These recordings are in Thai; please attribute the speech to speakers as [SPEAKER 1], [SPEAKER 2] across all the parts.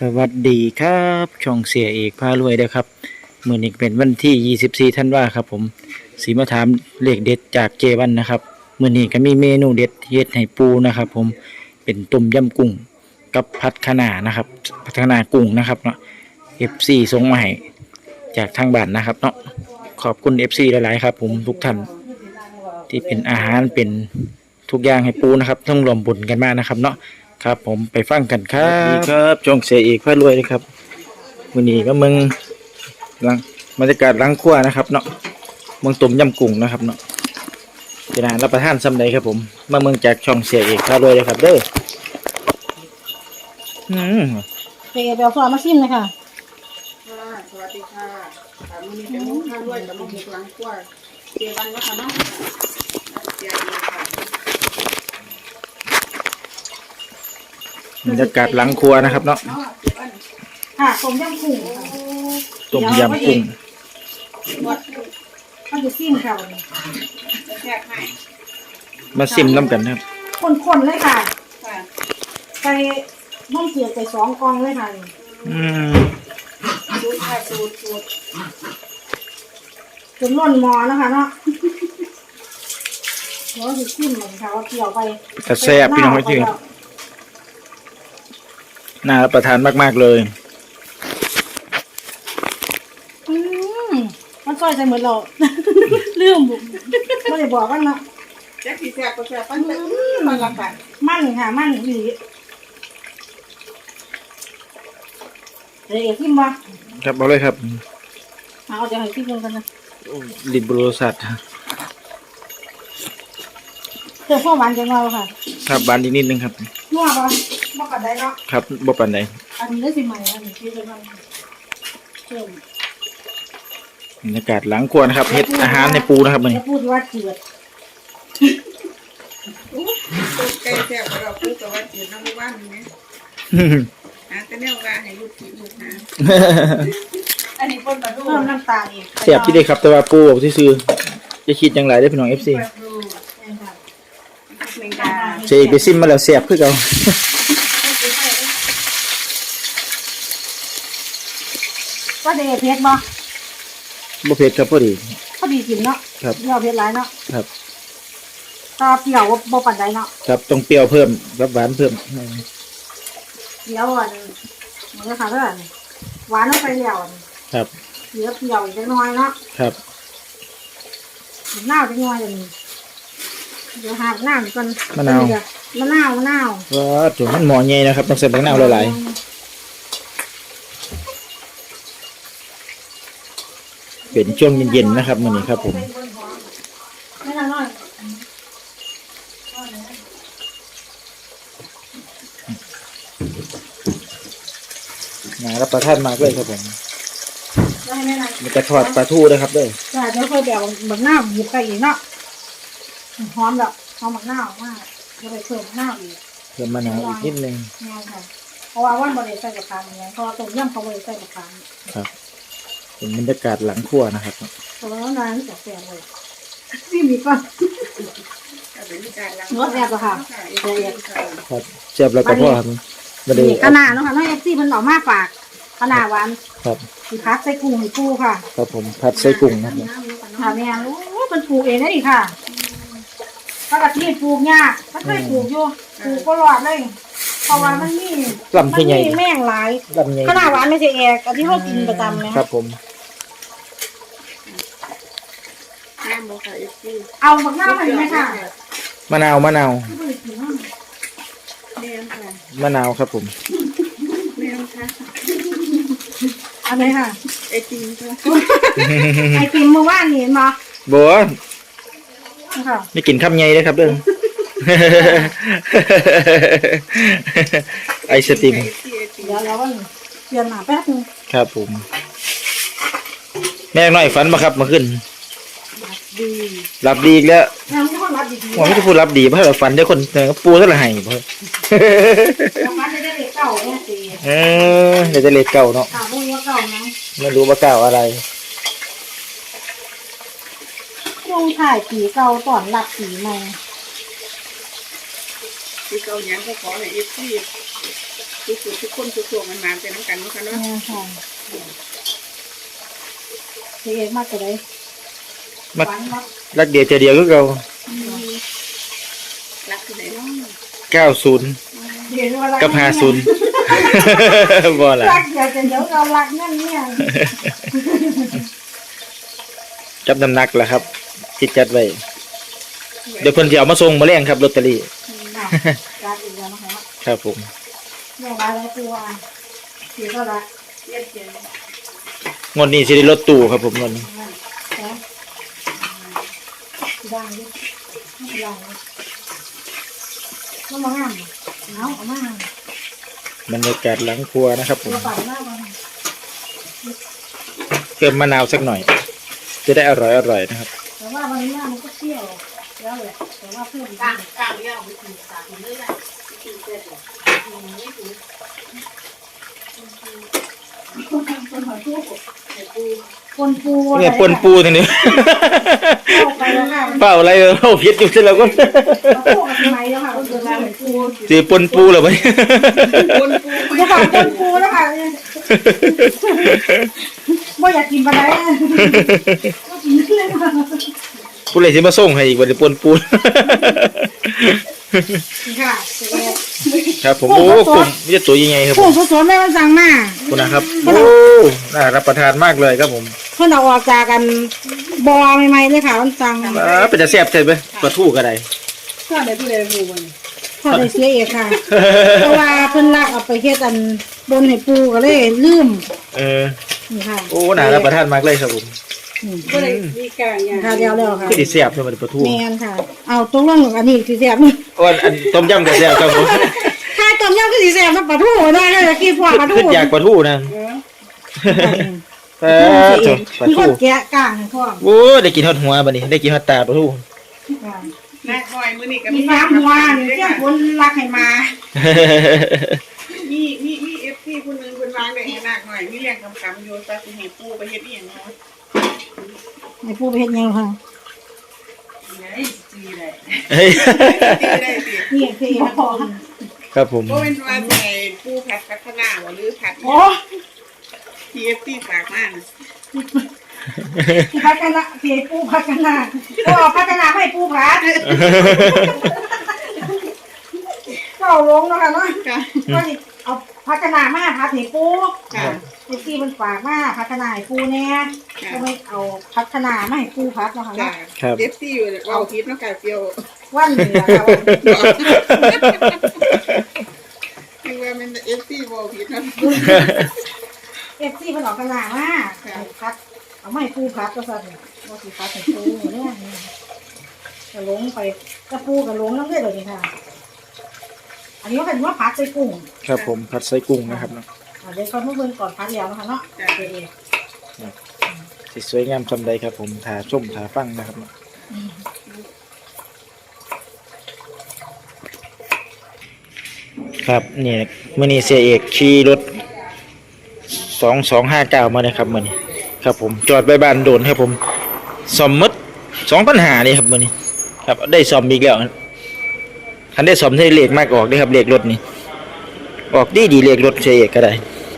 [SPEAKER 1] สวัสดีครับช่องเสียเอกพารวยเด้อครับมื้อนี้เป็นวันที่24ธันวาครับผมสีมาถามเลขเด็ดจากเจวันนะครับมื้อนี้ก็มีเมนูเด็ดเฮ็ดให้ปูนะครับผมเป็นต้มยำกุ้งกับผัดคะน้านะครับผัดคะน้ากุ้งนะครับเนาะ FC ส่งมาให้จากทางบ้านนะครับเนาะขอบคุณ FC หลายๆครับผมทุกท่านที่เป็นอาหารเป็นทุกอย่างให้ปูนะครับต้องรวมบุญกันมากนะครับเนาะครับผมไปฟังกันครับครับจงเสียเอกพารวยเลยครับวันนี้ก็มึงหลังบรรยากาศล้างครัวนะครับเนาะเมืองต้มยำกุ้งนะครับเนาะจะนานรับประทานซ้ำใดครับผมมาเมืองจากช่องเสียเอกพารวยเลยครับเด้อ
[SPEAKER 2] เดี๋ยวฟอร์มาชิมเลยค่ะ
[SPEAKER 3] สวัสดีค่ะมื้อนี้เป็นมุกข้าวด้วยกับมุกหลังครัวเจวันนะคะเนาะเสียดีค่ะ
[SPEAKER 1] บรรยากาศล้างครัวนะครับเนาะ
[SPEAKER 2] ค่ะต้มยำกุ้ง
[SPEAKER 1] ต้มยำกุ้ง
[SPEAKER 2] เขาจะซิมค่ะวันนี้
[SPEAKER 3] แซ่บให้
[SPEAKER 1] มาซิมน้ำกันครับ
[SPEAKER 2] คนๆเลยค่ะใส่น้ำเกลือใส่2 กล่องเลยค่ะ
[SPEAKER 3] สูตรค่ะสูตร
[SPEAKER 2] จนล้นหม้อนะคะเนาะเดี๋ยวจะซิมเหมือนค่ะว่าเกี่ยวไป
[SPEAKER 1] กระแซ่บพี่น้องไม่จริงน่ารับประทานมากๆเลย
[SPEAKER 2] มันซอยใส่เหมือนเราลืมบุกไม่ได้บอกกันเนาะ
[SPEAKER 3] แซ่บสีแซ่บก็แซ่บมันละกัน
[SPEAKER 2] มันค่ะมันดีเดี๋ยวซิมบ่
[SPEAKER 1] ครับเอาเลยครับ
[SPEAKER 2] เอาจะให้ซิมกันนะ
[SPEAKER 1] ลิบโรสัต
[SPEAKER 2] เจอพ่อหวานจังเราค่ะ
[SPEAKER 1] ครับบานนิดนึงครับ
[SPEAKER 2] นัวป่ะบ่ปันใดเนาะ
[SPEAKER 1] ครับบ่ปันใด
[SPEAKER 2] อันนี้ได้สิใหม่อันนี้คือจะมันเพิ่ม
[SPEAKER 1] บรรยากาศหลังครัวนะครับเฮ็ดอาหารในปูนะครับมัน
[SPEAKER 2] พูดว่าเจือด
[SPEAKER 3] ไก่แซ่บเราพูดกับว่าจืดน้ำว่านนี่ไหมแต่แนวว่าให้ลูกกินลูกนะอันนี้ป่นปลาทู
[SPEAKER 2] เพิ่มน้ำตาลอีก
[SPEAKER 1] เสียบที่ได้ครับแต่ว่าปูบอกซื่อจะคิดอย่างไรได้พี่น้อง FC เสียไปซิมมาแล้วเสียบคือเก่า
[SPEAKER 2] ก็เดเพชรบ่
[SPEAKER 1] บ่เผ็ดครับพอดี
[SPEAKER 2] กินเนาะ
[SPEAKER 1] ครับ
[SPEAKER 2] เปรี้ยวเพชรหลายเนาะ
[SPEAKER 1] ครับ
[SPEAKER 2] ก็เปรี้ยวบ่ปานใดเนาะ
[SPEAKER 1] ครับต้องเปรี้ยวเพิ่มรับหวานเพิ่ม
[SPEAKER 2] เดี๋ยวอันมันก็ค่ะเด้อหวานลงไปแล้ว
[SPEAKER 1] ครับ
[SPEAKER 2] เหลือเปรี้ยวอีกจักหน่อยเนาะ
[SPEAKER 1] ครับ
[SPEAKER 2] น้ำจักหน่อยเดี๋ยวหาน้ำก่อน
[SPEAKER 1] มะนาวว้าจุ่มมันหมอใหญ่นะครับต้องใส่มะนาวหลายๆเป็นช่วงเย็นๆนะครับมื้อนี้ครับผมน่ารับประทานมากเลยครับผมมันจะทอดปลาทูด้วยครับด้วย
[SPEAKER 2] จ้าเดี๋ยวค่อยแบบบักหน้าหยิบไปอีกเนาะหอมแบบหอมบักหน้ามากเดี๋ยวไปเพิ่มหน้าอีก
[SPEAKER 1] เพิ่มมะนาวอีกนิดนึง
[SPEAKER 2] เพราะว่าวันบริใส่กระเพราเนี่ยเพราะต้มยำเขาบริใส่กระเพรา
[SPEAKER 1] ครับเป็นบรรยากาศหลังครัวนะครับ
[SPEAKER 2] เพราะว่าร้านจะแซ่บเลยนี่มีป่ะรสแซ่บป่ะค่ะ
[SPEAKER 1] ครับแซ่บแล้วก็พ่อครับ
[SPEAKER 2] มาดูขนาดเนาะค่ะน้องเอฟซีมันหล่อมากฝากขนาดหวาน
[SPEAKER 1] ครับ
[SPEAKER 2] คือพัดใส่กุ้งให้ปูค่ะ
[SPEAKER 1] ครับผมพัดใส่กุ้งนะครับ
[SPEAKER 2] ค่ะแม่รู้มันปลูกเองได้ดิค่ะปกติปลูกยากมันเคยปลูกอยู่ปลูกก็รอดเลยเพราะว่ามันมีแม่งหลายขนาดหวานไม่ใช่แอกอันที่เขากินประจำนะครับ
[SPEAKER 1] ผม
[SPEAKER 2] เอาบักหน้ามาดีไหมค่ะ
[SPEAKER 1] มะนาวครับผม
[SPEAKER 2] อะไรค่ะ
[SPEAKER 3] ไอติม
[SPEAKER 2] เมื่อวานเห็นมา
[SPEAKER 1] บัวไม่กินข้าวใหญ่เลยครับเด้อไอศติม
[SPEAKER 2] เดี๋ยวเราเปลี่ยนมาแป๊บนึง
[SPEAKER 1] ครับผมแม่น้อยฝันมาครับมาขึ้นรับดีอีกแล้วผมไม่ได้พูดรับดีเพราะเราฝันได้คนปูเท่าไหร่เพื่อเดี๋ยวจะเล็กเก่าเนาะไม่รู้ว่าเก่าอะไร
[SPEAKER 2] ช่วงถ่ายปีเก่าตอนหลับปีใหม่
[SPEAKER 3] ปีเก่าอย่างก็ขอให้เอฟซีทุกคนทุกตัวมันมาเป็นน้ำกันเนาะค่ะเนาะ
[SPEAKER 2] เนี่ยค่ะเสียเอกมากกว่าเลย
[SPEAKER 1] มัก
[SPEAKER 2] ฝันว่า
[SPEAKER 1] รักเดียวใจเดียวก็เก่า
[SPEAKER 3] รักที่ไหนเนาะ
[SPEAKER 1] 90
[SPEAKER 2] เดี๋ยวว่ารั
[SPEAKER 1] กับ50 บ่ล่ะ
[SPEAKER 2] รักเดี๋ยวจะเดี๋ยวเรารักนั่นเนี่ย
[SPEAKER 1] จับน้ำหนักล่ะครับที่จัดไว้เดี๋ยวเพิ่นสิเอามาส่งมาแลงครับลอตเตอรี่
[SPEAKER 2] ค่ะรักอีกแล้วนะคะ
[SPEAKER 1] ครับผม
[SPEAKER 2] แม่ร้ายแล้วตัวเสียก็รัก
[SPEAKER 3] เย็ดเย็น
[SPEAKER 1] งวดนี้สิได้รถตู้ครับผมงวดนี้
[SPEAKER 2] แซ่ดังดิไม่ดังเลยต้องมาห้ามเอามาห้าม
[SPEAKER 1] บรรยากาศหลังครัวนะครับผม
[SPEAKER 2] ตัวปั่นหน้ามา
[SPEAKER 1] เติมมะนาวสักหน่อย จะได้อร่อยนะครับ
[SPEAKER 2] แต่ว่าวันนี้มันก็เที่ยวแล้วแหละแต่ว่าเพิ่มอีก
[SPEAKER 3] กลางเยอะไปถึงสามเลยอ่ะถึงเสร็จไม่ถึง
[SPEAKER 2] คนปู
[SPEAKER 1] เนี่ยปนปูทีนี้
[SPEAKER 2] เข้าไปแล้วค่ะ
[SPEAKER 1] เปล่าอะไรเราพิษอยู่ที่เราก็
[SPEAKER 2] ปูกับทำไมแล้วค่ะคนเดินมาเหมือนปู
[SPEAKER 1] จีปนปูเหรอวะ
[SPEAKER 3] คนปู
[SPEAKER 2] จะฝากคนปูแล้วค่ะไม่อยากกินปลาไหลก็กินเลยค่ะ
[SPEAKER 1] ผู้เลยสิมาส่งให้อีกวันนี้ปนปู
[SPEAKER 2] ค่ะ
[SPEAKER 1] ครับผมโอ้กลุ่มนี่จะตัวยังไงครับผ
[SPEAKER 2] ปู
[SPEAKER 1] ม
[SPEAKER 2] สดๆแม่มันสั่งมา
[SPEAKER 1] คุณนะครับโอ้น่ารับประทานมากเลยครับผม
[SPEAKER 2] เพิ่นเอาออกจากกันบอใหม่ๆเลยค่ะมันสั่ง
[SPEAKER 1] เป็นจะแซ่บใช่ไหมปลาทูก็ได้
[SPEAKER 3] ข้าได้ผู้ใดผู้มัน
[SPEAKER 2] พอได้เสียเอกค่ะ เพราะว่าเพิ่นลักเอาไปเฮ็ดอันบนให้ปูก็เลยลืม
[SPEAKER 1] เออ
[SPEAKER 2] นี่ค่ะ
[SPEAKER 1] โอ้น่ารับประทานมากเลยครับผม
[SPEAKER 3] ผู้ใดมีกลางอย่าง
[SPEAKER 2] ค่ะเดียวๆค่ะ
[SPEAKER 1] คือดิแซ่บใช่ไหมปลาทู
[SPEAKER 2] แม่นค่ะ เอาตรงลงอันนี้สิแซ่บ
[SPEAKER 1] อ้วนอันต้มยำก็แซ่บครับผม
[SPEAKER 2] ถ้าต้มยำก็สิแซ่บน้ำปลาทูได้เลยกินพวกปลาทู
[SPEAKER 1] ขึ้นอยากปลาทูนะปลาทูปลา
[SPEAKER 2] มีค
[SPEAKER 1] ทู
[SPEAKER 2] นแกะกลางให้พร้อม
[SPEAKER 1] โอ้ได้กินทอดหัวบัดนี้ได้กินทอดตาปลาทู
[SPEAKER 2] ค่ะ
[SPEAKER 3] นักหน่อยมื้อนี้ก็
[SPEAKER 2] มีฟ้าหัวนี่เจ้าคนรักให้มา
[SPEAKER 3] มีเอฟซีผู้นึงคนวางได้ให้นักหน่อยมีเรื่องคำๆอยู่ซะสิให้ปูไปเฮ็ดอีหยังเนาะ
[SPEAKER 2] ให้ปูไปเฮ็ดหยังค่ะ
[SPEAKER 3] ไหนจีได้
[SPEAKER 1] เฮ้ย
[SPEAKER 3] จีได้สิ
[SPEAKER 2] นี่คือพอ
[SPEAKER 1] ครับผม
[SPEAKER 3] บ่เป็นว่าใส่ปูผัดพัฒนาบ่หรือผัด
[SPEAKER 2] โอ้
[SPEAKER 3] ทีเอฟซีฝากมาน่ะ
[SPEAKER 2] ที่พัฒนาที่ปูพัฒนาก็พัฒนาให้ปูพัดก็เอาลงแล้วค่ะเนาะ
[SPEAKER 3] ค่ะ
[SPEAKER 2] ก็สิเอาพัฒนามาพัดให้ปู
[SPEAKER 3] ค่ะ
[SPEAKER 2] ไอ้ที่มันฝากมาพัฒนาให้ปูแน่ก็ไม่เอาพัฒนามาให้ปูพัดแล้วค่ะ
[SPEAKER 3] ค่ะ
[SPEAKER 2] เนาะ
[SPEAKER 3] เอฟซีอยู่เว้าผิดเนาะค่ะเปียว
[SPEAKER 2] วันนี้ล่ะค่ะ
[SPEAKER 3] คือว่ามันเอฟซีเว้าผิดเนาะ
[SPEAKER 2] เอฟซีมันออกกระหน่ำมากพัดเอาไม่ปูพัดก็สั่นว่าสิพัดให้ปูเนี่ยกระลงไปกระปูกระลงน้ำเลือดเลยค่ะ อันนี้ก็เป็นว่าพัดใส่กุ้ง
[SPEAKER 1] ครับผมผัดไส้กุ้งนะครับเนาะ
[SPEAKER 2] เดี๋ยวเขาเมื่อเบิ่งก่อนพัดแล้วนะคะเนาะเดี๋ยวเอง
[SPEAKER 1] สิสวยงามคำใดครับผมถาชมถาฟังนะครับเนาะครับนี่มื่อนี้เสียเอกขี่รถ2259มาเลยครับมื่อนี้ครับผมจอดไว้บ้านโดนครับผมซ่อมหมด2,500นี่ครับมื่อนี้ครับได้ซ่อมอีกแล้วคันได้ซ่อมให้เลขมากออกเด้อครับเลขรถนี่ออกดีเลขรถเสียเอกก็ได้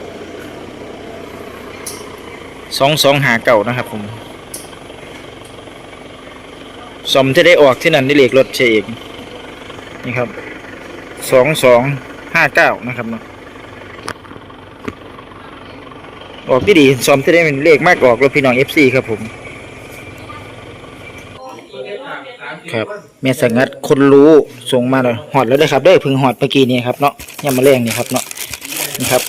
[SPEAKER 1] 2259นะครับผมซ่อมจะได้ออกที่นั่นได้เลขรถเสียเอกนี่ครับ2259นะครับเนาะออกดีซ่อมจะได้เป็นเลขมากออกรถพี่น้อง FC ครับผมครับแม่สังงัดคนรู้ส่งมาเลยหอดแล้วได้ครับได้พึ่งหอดเมื่อกี้นี่ครับเนาะย่ำมาแรงนี่ครับเนาะนี่ครับ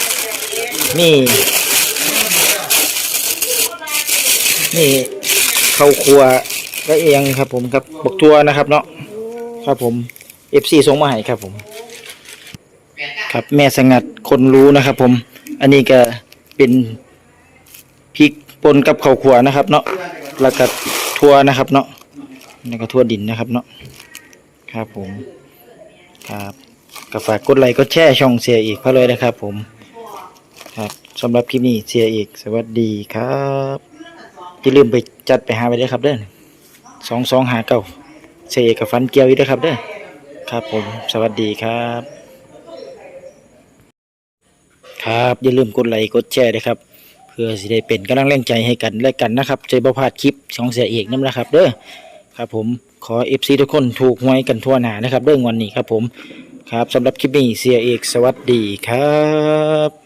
[SPEAKER 1] นี่เข้าครัวไว้เองครับผมครับบักทัวนะครับเนาะครับผม FC ส่งมาให้ครับผมครับแม่สังงัดคนรู้นะครับผมอันนี้ก็เป็นพริกป่นกับข้าวคั่วนะครับเนาะแล้วก็ทั่วนะครับเนาะแล้วก็ทั่วดินนะครับเนาะครับผมครับก็ฝากกดไลค์กดแชร์ช่องเสียอีกเพราะเลยนะครับผมครับสำหรับคลิปนี้เสียอีกสวัสดีครับอย่าลืมไปจัดไปหาไปด้วยครับเด้อ2259เสียเอกกับฟันเกียวอีกด้วยครับเด้อครับผมสวัสดีครับครับอย่าลืมกดไลค์กดแชร์ด้วยครับเพื่อสิได้เป็นกำลังแรงใจให้กันและกันนะครับจะบ่พลาดคลิปของเสียเอกนำนะครับเด้อครับผมขอ FC ทุกคนถูกหวยกันทั่วหน้านะครับเรื่องวันนี้ครับผมครับสำหรับคลิปนี้เสียเอกสวัสดีครับ